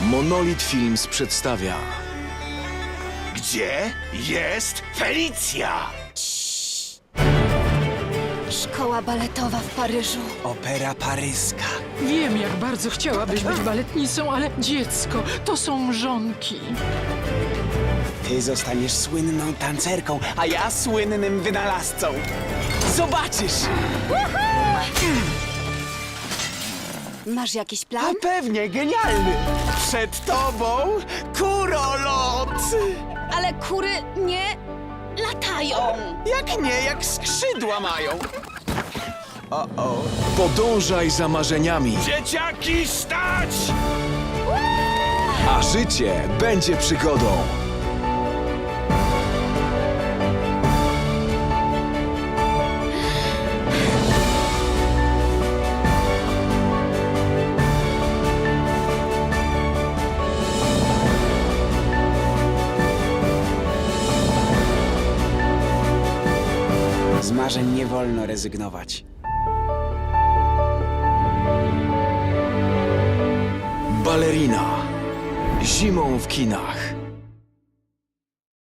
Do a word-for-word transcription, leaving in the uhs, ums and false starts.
Monolith Films przedstawia Gdzie jest Felicja? Szkoła baletowa w Paryżu. Opera paryska. Wiem, jak bardzo chciałabyś być baletnicą, ale dziecko, to są mrzonki. Ty zostaniesz słynną tancerką, a ja słynnym wynalazcą. Zobaczysz! Masz jakiś A plan? pewnie, genialny! Przed tobą kurolot! Ale kury nie latają. Jak nie, jak skrzydła mają. O, o. Podążaj za marzeniami, Dzieciaki, stać! a życie będzie przygodą. Z marzeń nie wolno rezygnować. Balerina. Zimą w kinach.